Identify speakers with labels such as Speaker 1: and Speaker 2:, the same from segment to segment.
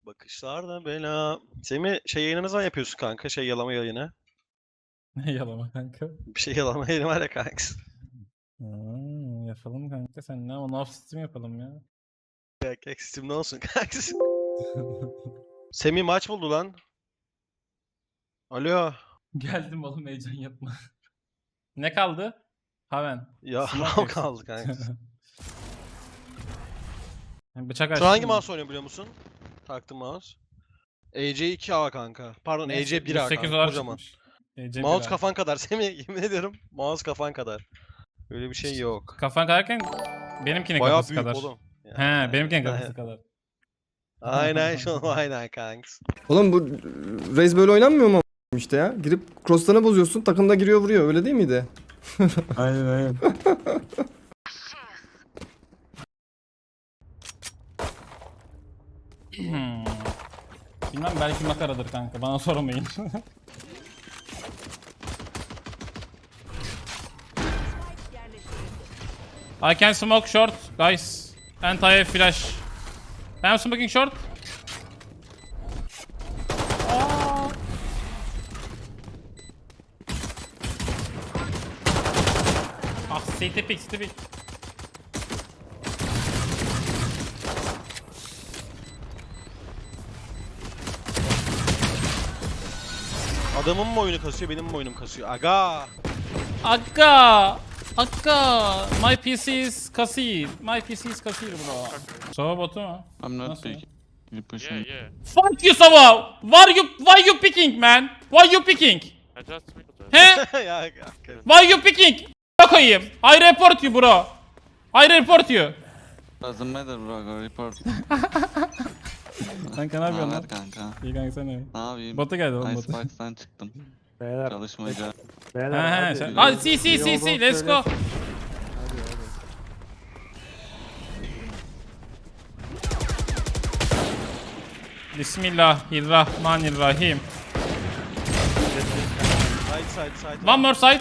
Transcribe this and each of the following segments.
Speaker 1: Bakışlarda bela. Semih yayını ne zaman yapıyorsun kanka? Yalama yayını.
Speaker 2: Ne yalama kanka?
Speaker 1: Bir yalama yayını var ya kanka.
Speaker 2: Yapalım kanka sen ne? Onu off stream yapalım ya.
Speaker 1: Kanka Steam ne olsun kanka? Semih maç buldu lan. Alo.
Speaker 2: Geldim oğlum heyecan yapma. Ne kaldı? Haven.
Speaker 1: Ya
Speaker 2: Smoke
Speaker 1: hav
Speaker 2: yoksa.
Speaker 1: kaldı kanka.
Speaker 2: Bıçak
Speaker 1: Sen
Speaker 2: açtın
Speaker 1: hangi
Speaker 2: mı?
Speaker 1: mouse oynuyor biliyor musun? Taktım mouse. EC2A kanka. Pardon
Speaker 2: Neyse,
Speaker 1: EC1A
Speaker 2: 108
Speaker 1: kanka.
Speaker 2: dolar
Speaker 1: Kocaman.
Speaker 2: çıkmış. EC
Speaker 1: Mouse
Speaker 2: 1A.
Speaker 1: kafan kadar Semih yemin ediyorum. Mouse kafan kadar. Öyle bir şey yok.
Speaker 2: Kafan kadarken benimkinin
Speaker 1: Bayağı
Speaker 2: kafası
Speaker 1: büyük
Speaker 2: kadar.
Speaker 1: oğlum.
Speaker 2: He, benimkinin kafası kadar.
Speaker 1: Aynen şu aynen kanka.
Speaker 3: Oğlum bu Raze böyle oynanmıyor mu işte ya? Girip cross'larını bozuyorsun, takım da giriyor vuruyor. Öyle değil miydi?
Speaker 4: Aynen.
Speaker 2: Bilmem belki makaradır kanka bana sormayın. I can smoke short guys. And I have flash. I'm smoking short. Ah, CT pick, CT pick.
Speaker 1: Adamın mı oyunu kasıyor benim mi oyunum kasıyor? Aga.
Speaker 2: Akka! Akka! My PC is kasir. My PC is kasir bro. Sova botu mu?
Speaker 4: I'm not
Speaker 2: Nasıl?
Speaker 4: big. You pushing.
Speaker 5: Yeah.
Speaker 2: Fuck you Sova! Why you picking man? Why you picking?
Speaker 5: I just
Speaker 2: He?
Speaker 1: Ya kanka.
Speaker 2: Why you picking? Koyayım. I report you bro. I report you.
Speaker 4: Doesn't matter bro, go report.
Speaker 2: Kanka ne yapıyorsun lan?
Speaker 4: Naber kanka?
Speaker 2: İyi kanka sen ne?
Speaker 4: Ne yapayım?
Speaker 2: Bota geldi oğlum bota.
Speaker 4: Icebox'tan çıktım.
Speaker 6: Beyler,
Speaker 4: Çalışmaca.
Speaker 6: beyler
Speaker 2: He
Speaker 6: hadi.
Speaker 2: sen. Hadi see
Speaker 6: İyi olduğunu
Speaker 2: let's go.
Speaker 6: söyle.
Speaker 2: Bismillahirrahmanirrahim.
Speaker 1: Side.
Speaker 2: One more side.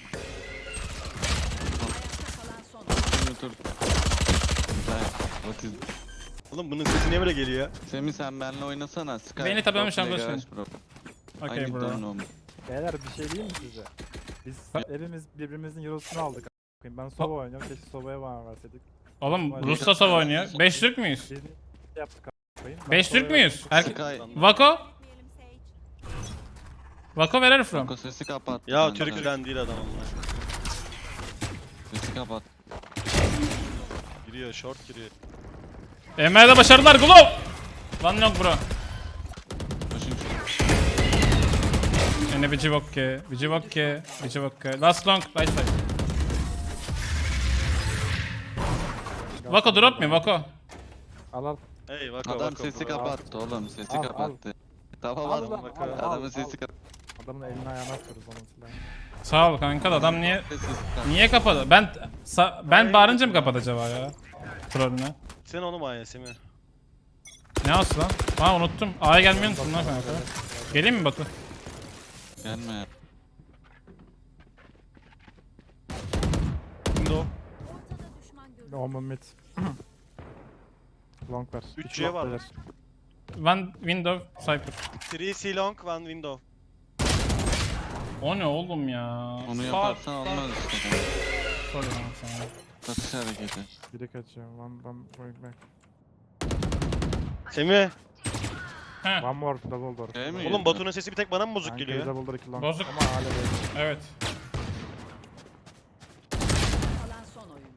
Speaker 4: Dur. What is...
Speaker 1: Oğlum bunun sesi niye böyle geliyor ya?
Speaker 4: Semih sen benimle oynasana. Sky.
Speaker 2: Beni tabii ama
Speaker 4: Pro play
Speaker 2: şampiyon
Speaker 4: garage, bro.
Speaker 2: Okay
Speaker 4: I
Speaker 2: bro.
Speaker 4: don't know.
Speaker 6: Beyler bir şey diyeyim mi size? Biz hepimiz birbirimizin eurosunu aldık. Ben Sova oynuyorum. Keşke Sova'ya bana verseydik.
Speaker 2: Oğlum Rus'ta Sova oynuyor. 5 Türk müyüz?
Speaker 6: Biz yaptık a**ayım.
Speaker 2: 5 Türk müyüz?
Speaker 4: Sky.
Speaker 2: Vako? Vako where are you from?
Speaker 4: Kanka sesi kapat.
Speaker 1: Ya
Speaker 4: kanka.
Speaker 1: Türk falan değil adam onlar.
Speaker 4: Sesi kapat.
Speaker 1: Giriyor short giriyor.
Speaker 2: Emre'de başarılar Glove. One knock bro.
Speaker 4: Pushing.
Speaker 2: Yine Vici Bokke. Last long, right side. Vako drop me, Vako.
Speaker 6: Al.
Speaker 1: Hey vaka
Speaker 4: Adam
Speaker 1: vaka.
Speaker 4: sesi kapattı oğlum. Sesi
Speaker 6: Al,
Speaker 4: kapattı. Tamam
Speaker 6: Al,
Speaker 4: adam.
Speaker 6: al,
Speaker 4: Adamın
Speaker 6: al,
Speaker 4: sesi
Speaker 6: al.
Speaker 4: kapattı.
Speaker 6: Adamın eline ayağına atıyoruz onun silahını.
Speaker 2: Sağ ol kanka da adam niye
Speaker 4: Niye?
Speaker 2: kapadı? Ben bağırınca mı kapadı acaba ya? Trollüne.
Speaker 1: Sen onu mu Semih?
Speaker 2: Ne olsun lan? Aa unuttum. A'ya gelmeyi unuttum lan kanka. Geleyim mi Batu?
Speaker 4: Gelme ya.
Speaker 1: Window.
Speaker 6: Normal mid. Long ver.
Speaker 1: 3
Speaker 6: İki
Speaker 1: C
Speaker 6: long
Speaker 1: var.
Speaker 6: beyler.
Speaker 2: One window, Cypher.
Speaker 1: 3 C long, 1 window.
Speaker 2: O ne oğlum ya?
Speaker 4: Onu
Speaker 2: Fuck,
Speaker 4: yaparsan olmaz işte. kanka.
Speaker 2: Sorry lan sana.
Speaker 4: Satış hareketi.
Speaker 6: Biri kaçıyor. One going back.
Speaker 1: Semih.
Speaker 2: Heh,
Speaker 6: One more double door.
Speaker 4: Şey mi?
Speaker 1: Oğlum Batu'nun sesi bir tek bana mı bozuk
Speaker 6: Kanka
Speaker 1: geliyor?
Speaker 6: double door 2 long.
Speaker 2: Bozuk.
Speaker 6: Ama hala değil.
Speaker 2: evet.
Speaker 7: Kalan son oyuncu.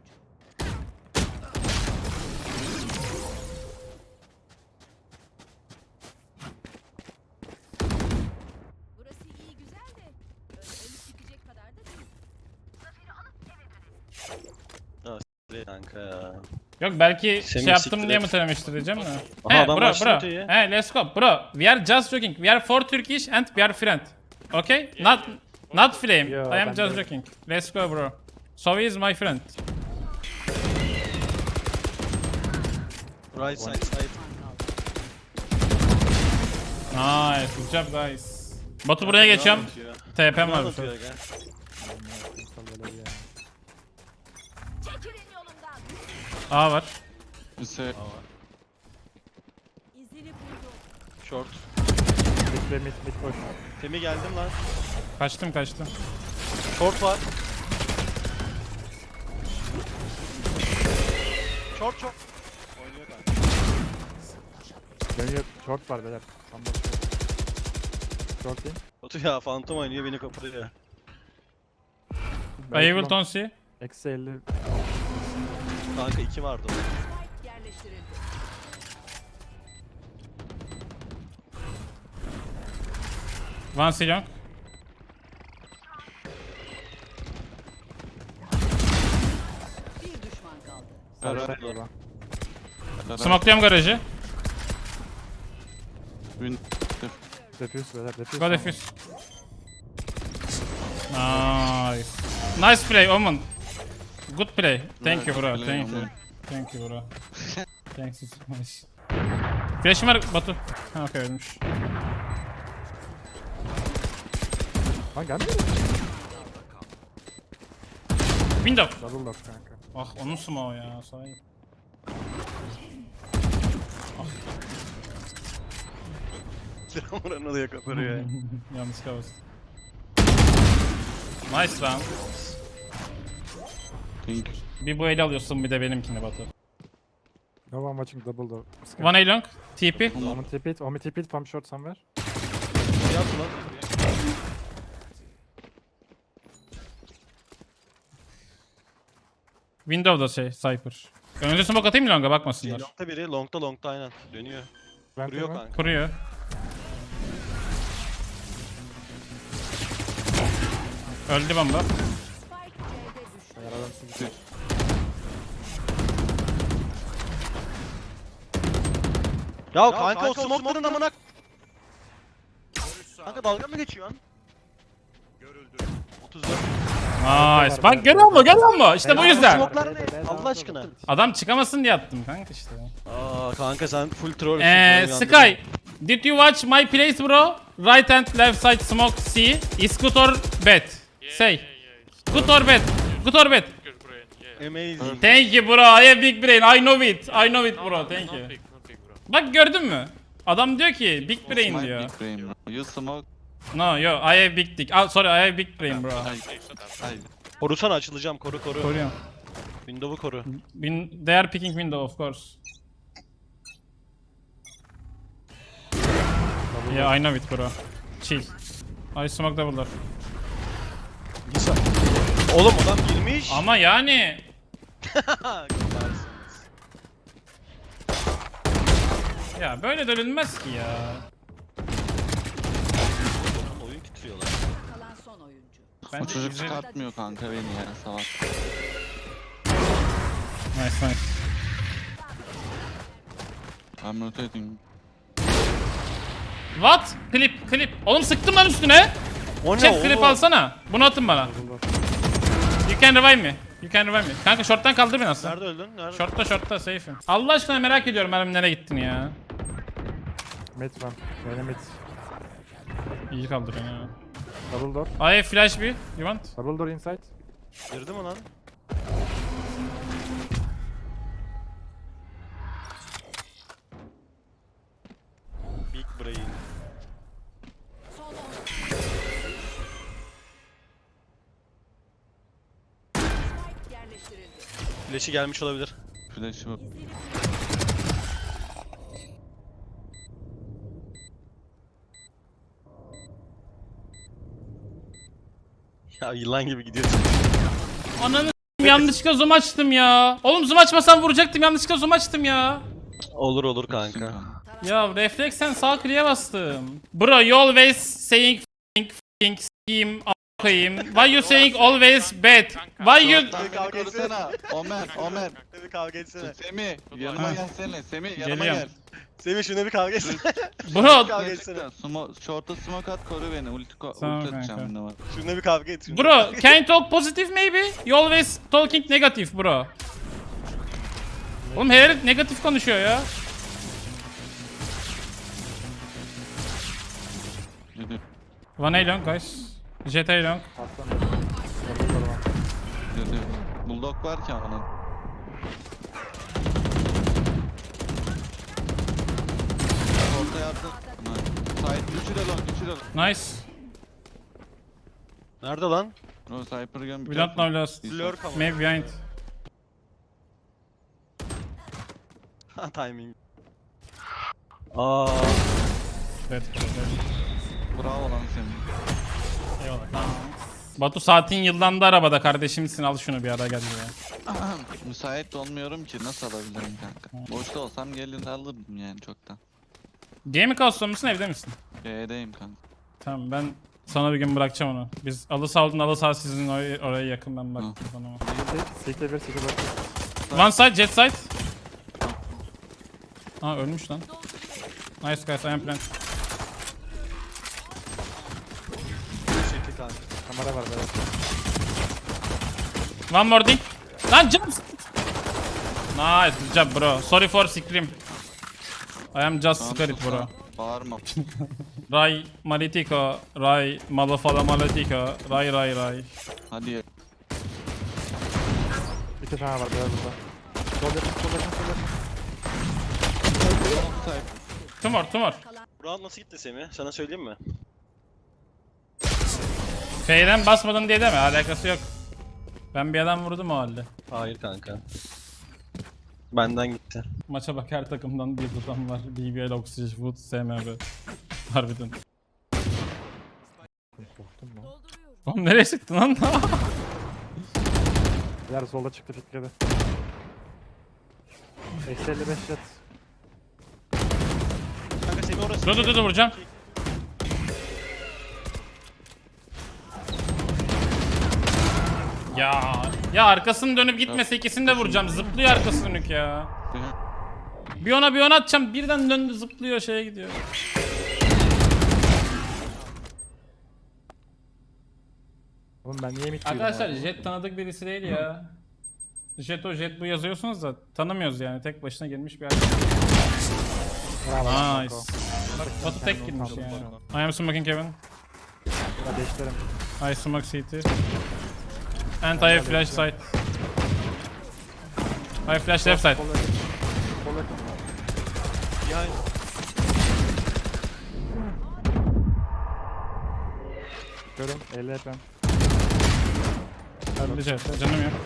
Speaker 7: Burası iyi güzel de öyle ölüp gidecek kadar da değil.
Speaker 1: Kanka ya.
Speaker 2: Yok belki
Speaker 1: Semih
Speaker 2: şey yaptım
Speaker 1: siktir
Speaker 2: diye
Speaker 1: et.
Speaker 2: mi söylemiştir diyeceğim de.
Speaker 1: Aha, adam
Speaker 2: bro
Speaker 1: başladı
Speaker 2: bro.
Speaker 1: ya.
Speaker 2: Hey let's go bro. We are just joking. We are for Turkish and we are friend. Okay? Not flame.
Speaker 6: Yo,
Speaker 2: I am
Speaker 6: ben
Speaker 2: just
Speaker 6: de-
Speaker 2: joking. Let's go bro. So he is my friend.
Speaker 1: Right side.
Speaker 2: Nice. Good job guys. Batu buraya geçiyorum. TP'm var bu sefer.
Speaker 7: Çekilin yolumdan.
Speaker 2: A var.
Speaker 4: Ise
Speaker 7: İzini buldum.
Speaker 1: Short.
Speaker 6: Mid ve mid boş.
Speaker 1: Temi geldim lan.
Speaker 2: Kaçtım.
Speaker 1: Short var. Short. Oynuyor kanka.
Speaker 6: Dönüyor. Short var beyler. Tam boş. Short değil.
Speaker 1: Batu ya Phantom oynuyor beni kapatıyor.
Speaker 2: I will don't see.
Speaker 6: Eksi 50.
Speaker 1: Kanka 2 vardı o.
Speaker 7: Spike yerleştirildi.
Speaker 2: One C long.
Speaker 7: Bir düşman kaldı.
Speaker 6: Sarı
Speaker 4: Beraber.
Speaker 6: baba.
Speaker 2: Smokluyorum garajı.
Speaker 4: Win.
Speaker 6: Defuse beyler. Defuse.
Speaker 2: Go defuse. Nice. Nice play Omen. Good play. Thank you bro.
Speaker 4: Play,
Speaker 2: Thank you.
Speaker 4: Omen.
Speaker 2: Thank you bro. Thanks so much. Flash'ım var Batu. Ha okey ölmüş.
Speaker 6: Lan gelmiyor mu?
Speaker 2: Window.
Speaker 6: Double lock kanka.
Speaker 2: Ah onun smoke ya sahi.
Speaker 1: Silahımın oluyor kapatıyor ya.
Speaker 2: Yanlış kavuz. Nice round.
Speaker 4: Pink.
Speaker 2: Bir bu eli alıyorsun bir de benimkini Batu.
Speaker 6: No one watching double door.
Speaker 2: One A long. TP.
Speaker 6: Omen tip it. Omen tip it. Pump short somewhere.
Speaker 1: Ne yaptı lan?
Speaker 2: Window'da Cypher. Önce smoke atayım mı longa bakmasınlar.
Speaker 1: Long'ta biri, long'ta aynen. Dönüyor.
Speaker 6: Ben
Speaker 1: Vuruyor
Speaker 6: tamam.
Speaker 1: kanka.
Speaker 2: Kuruyor. Öldü bomba.
Speaker 7: Spike C'de düştü.
Speaker 6: Eğer adam sizi
Speaker 1: Ya kanka o smoke'ların amına... Kanka dalga mı geçiyorsun? Görüldü. 34.
Speaker 2: Nice. Bak görüyor mu? İşte bu yüzden.
Speaker 1: Smoke'lar ne? Allah aşkına.
Speaker 2: Adam çıkamasın diye attım kanka işte.
Speaker 1: Aa kanka sen full trollsün.
Speaker 2: Sky. Did you watch my plays bro? Right and left side smoke C. Is good or bad? Say. Good or bad? Good or bad?
Speaker 1: Amazing.
Speaker 2: Thank you bro. I have big brain. I know it. I know it bro. Thank you. Bak gördün mü? Adam diyor ki big brain
Speaker 4: My
Speaker 2: diyor.
Speaker 4: big brain, bro. You smoke.
Speaker 2: No yo I have big dick. Ah, sorry I have big brain bro.
Speaker 4: Ay.
Speaker 1: Korusana açılacağım koru.
Speaker 2: Koruyorum.
Speaker 1: Window'u koru.
Speaker 2: They are picking window of course. Yeah I know it bro. Chill. I smoke double door.
Speaker 1: Oğlum adam girmiş.
Speaker 2: Ama yani ya böyle dönülmez ki ya.
Speaker 1: Oyun titriyorlar.
Speaker 7: Kalan son oyuncu.
Speaker 4: O
Speaker 2: Bence
Speaker 4: çocuk
Speaker 2: güzel.
Speaker 4: çıkartmıyor kanka beni ya salak.
Speaker 2: Nice nice.
Speaker 4: I'm rotating.
Speaker 2: What? Clip. Oğlum sıktım lan üstüne.
Speaker 1: O ne
Speaker 2: Chef clip
Speaker 1: oğlum?
Speaker 2: alsana. Bunu atın bana. You can revive me. Kanka short'tan kaldır beni aslında.
Speaker 1: Nerede öldün? Nerede?
Speaker 2: Short'ta safe'im. Allah aşkına merak ediyorum benim nereye gittin ya.
Speaker 6: mid one. Beni mid.
Speaker 2: İyi kaldır beni ya.
Speaker 6: Double door.
Speaker 2: I have flash bir. You want?
Speaker 6: Double door inside.
Speaker 1: Girdi mi lan? Big brain.
Speaker 7: Son 10. Spike yerleştirildi.
Speaker 1: Flash'i gelmiş olabilir.
Speaker 4: Flash'ı bu.
Speaker 1: Ya yılan gibi gidiyorsun.
Speaker 2: Ananı s**eyim, yanlışlıkla zoom açtım ya. Oğlum zoom açmasam vuracaktım yanlışlıkla zoom açtım ya.
Speaker 1: Olur kanka.
Speaker 2: Ya refleksen sağ kliğe bastım. Bro you always saying f***ing scheme a**ayım. Why you saying always bad? Why you...
Speaker 4: Beni korusana. Omer.
Speaker 1: Bir kavga etsene.
Speaker 4: Semih yanıma gelsene. Semih yanıma
Speaker 2: Geliyorum.
Speaker 4: gel.
Speaker 1: Semih şuna bir kavga etsene.
Speaker 2: Bro,
Speaker 1: Kavga etsene.
Speaker 4: Short'a smoke at koru beni. Ulti
Speaker 2: Tamam
Speaker 4: atacağım
Speaker 2: kanka.
Speaker 4: ne var.
Speaker 1: Şuna bir kavga et.
Speaker 2: bro can you talk positive maybe? You always talking negative bro. Oğlum her herif negatif konuşuyor ya.
Speaker 4: Yürü.
Speaker 2: One A long guys. Jet A long.
Speaker 6: Aslan. Double door one.
Speaker 4: Yürü. Bulldog var ki onun. Orta yardım. Silah.
Speaker 2: Nice.
Speaker 1: Nerede lan?
Speaker 4: No Cypher gun.
Speaker 2: We don't know last.
Speaker 1: Lurk ama.
Speaker 2: Maybe behind.
Speaker 1: Ha timing. Aa.
Speaker 2: Evet.
Speaker 4: Bravo lan senin.
Speaker 2: Eyvallah. Tamam. Batu saatin yıllandı arabada kardeşimsin, al şunu bir ara gel ya.
Speaker 4: Müsait olmuyorum ki nasıl alabilirim kanka? Boşta olsam gelir alırdım yani çoktan.
Speaker 2: Gaming house'da mısın, evde misin?
Speaker 4: G'deyim kanka.
Speaker 2: Tamam, ben sana bir gün bırakacağım onu. Biz alı sağ alı sağ sizin oraya yakın, ben bak sana.
Speaker 6: Sikle bir sikle bak.
Speaker 2: One side, jet side. Aa ölmüş lan. Nice guys, I am plant.
Speaker 1: Çekti kanka.
Speaker 6: Kamera var böyle.
Speaker 2: One more thing. Lan jump. Nice, good job bro. Sorry for scream. I am just
Speaker 4: Tamam,
Speaker 2: scared
Speaker 4: sus
Speaker 2: bro.
Speaker 4: lan. Bağırma.
Speaker 2: Ray Malitiko, Ray Malafala Malitiko, Ray.
Speaker 4: Hadi ye.
Speaker 6: 2 tane var böyle burada. Sol yakın sol yakın sol yakın.
Speaker 2: Tumor.
Speaker 1: Bu round nasıl gitti Semih? Sana söyleyeyim mi?
Speaker 2: F'den basmadın diye deme, alakası yok. Ben bir adam vurdum o halde.
Speaker 1: Hayır kanka. Benden gitti.
Speaker 2: Maça bak, her takımdan bir adam var. BBL, Oxygen, Food, SMB. Harbiden.
Speaker 6: Korktum lan.
Speaker 7: Dolduruyorum.
Speaker 2: Oğlum nereye çıktın lan?
Speaker 6: Diğer solda çıktı fitledi. Eksi 55 jet.
Speaker 1: Kanka Semih orası.
Speaker 2: dur vuracağım. Ya arkasını dönüp gitmese ikisini de vuracağım. Zıplıyor arkası dönük ya. Bir ona atacağım. Birden döndü, zıplıyor, şeye gidiyor.
Speaker 6: Oğlum ben niye mid
Speaker 2: Arkadaşlar Jet tanıdık birisi değil ya. Jet bu yazıyorsunuz da tanımıyoruz yani. Tek başına girmiş bir arkadaş. Nice. Batu tek girmiş yani. I am smoking Kevin.
Speaker 6: Burada değiştirelim.
Speaker 2: I smoke CT. And I have flash side. I flash left side.
Speaker 6: Sol yakın. Sol yakın.
Speaker 1: Behind.
Speaker 6: Görün 50 FM.
Speaker 2: Öldü Jet. Canım yok.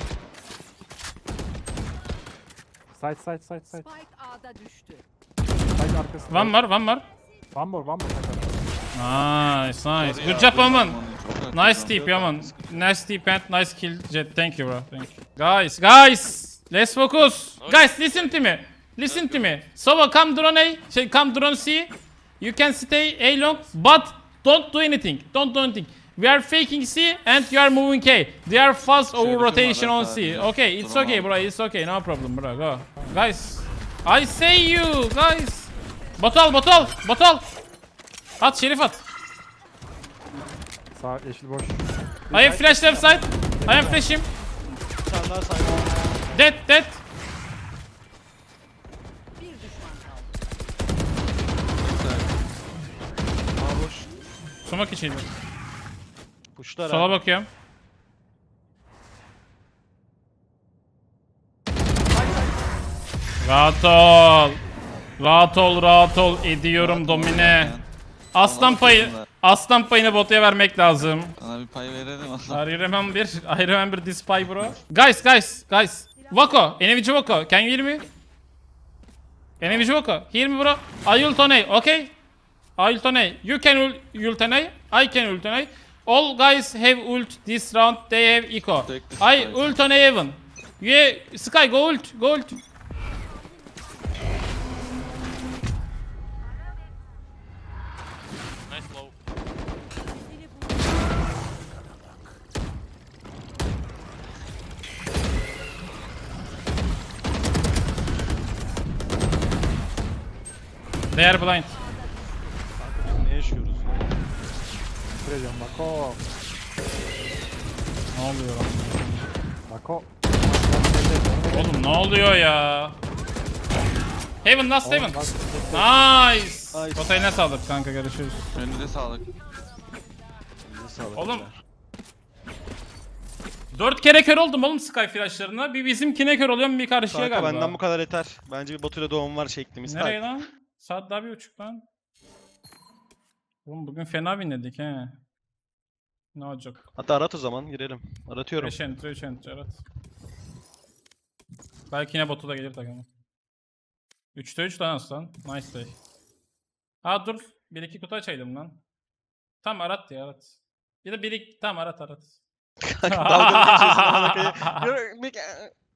Speaker 6: Side.
Speaker 7: Spike A'da düştü.
Speaker 6: Side arkasında.
Speaker 2: One more.
Speaker 6: One more kanka.
Speaker 2: Nice. Good job Oman. Nice tip Oman. Nice tip and nice kill Jet. Thank you bro. Thank you. Guys. Let's focus. Guys listen to me. Sova come drone A. Come drone C. You can stay A long but don't do anything. We are faking C and you are moving A. They are fast over rotation on C. Okay, it's okay bro. It's okay. No problem bro. Go. Guys. I say you guys. Botol. At Şerif at.
Speaker 6: Sağ yeşil boş.
Speaker 2: I have flash left side. I am flashing.
Speaker 1: Bir tane daha sahip.
Speaker 2: Dead.
Speaker 7: Bir düşman kaldı.
Speaker 1: Aa boş.
Speaker 2: Sumak içiydi.
Speaker 1: Puşlar
Speaker 2: Sola
Speaker 1: abi.
Speaker 2: bakıyorum. Rahat ol. Ediyorum domine. Aslan payını botuya vermek lazım.
Speaker 4: Sana bir pay verelim
Speaker 2: I remember this pie bro. Guys. Vako, Enevici Vako. Can you hear me? Enevici Vako. Hear me bro. I ult on A, okay? I ult on A. You can ult on A. I can ult on A. All guys have ult this round. They have eco.
Speaker 4: Take this
Speaker 2: I
Speaker 4: side.
Speaker 2: ult on A even. Yeah, Sky go ult. They are blind.
Speaker 1: Ne yaşıyoruz ya?
Speaker 6: Kıracağım Bako.
Speaker 2: Ne oluyor lan?
Speaker 6: Bako.
Speaker 2: Oğlum ne oluyor ya? Heaven, last Heaven. Nice. Botayı ne sağlık kanka, görüşürüz.
Speaker 4: Önünde sağlık.
Speaker 1: Elinize sağlık.
Speaker 2: Oğlum.
Speaker 1: beyler.
Speaker 2: 4 kere kör oldum oğlum Sky flashlarına. Bir bizimkine kör oluyorum, bir karşıya
Speaker 1: Kanka
Speaker 2: galiba.
Speaker 1: benden bu kadar yeter. Bence bir Batu'yla doğum var şeklimiz.
Speaker 2: Nereye lan? Saat daha 1:30 lan. Oğlum bugün fena binledik he. Ne olacak?
Speaker 1: Hatta arat o zaman girelim. Aratıyorum.
Speaker 2: 5 entry 3 entry evet. Belki yine botu da gelir takımı. 3'te 3 lan aslan. Nice play. Aa dur. 1-2 kutu açaydım lan. Tam arat ya arat. Ya da 1-2 tam arat.
Speaker 1: Kanka dalga mı geçiyorsun? Amına koyayım?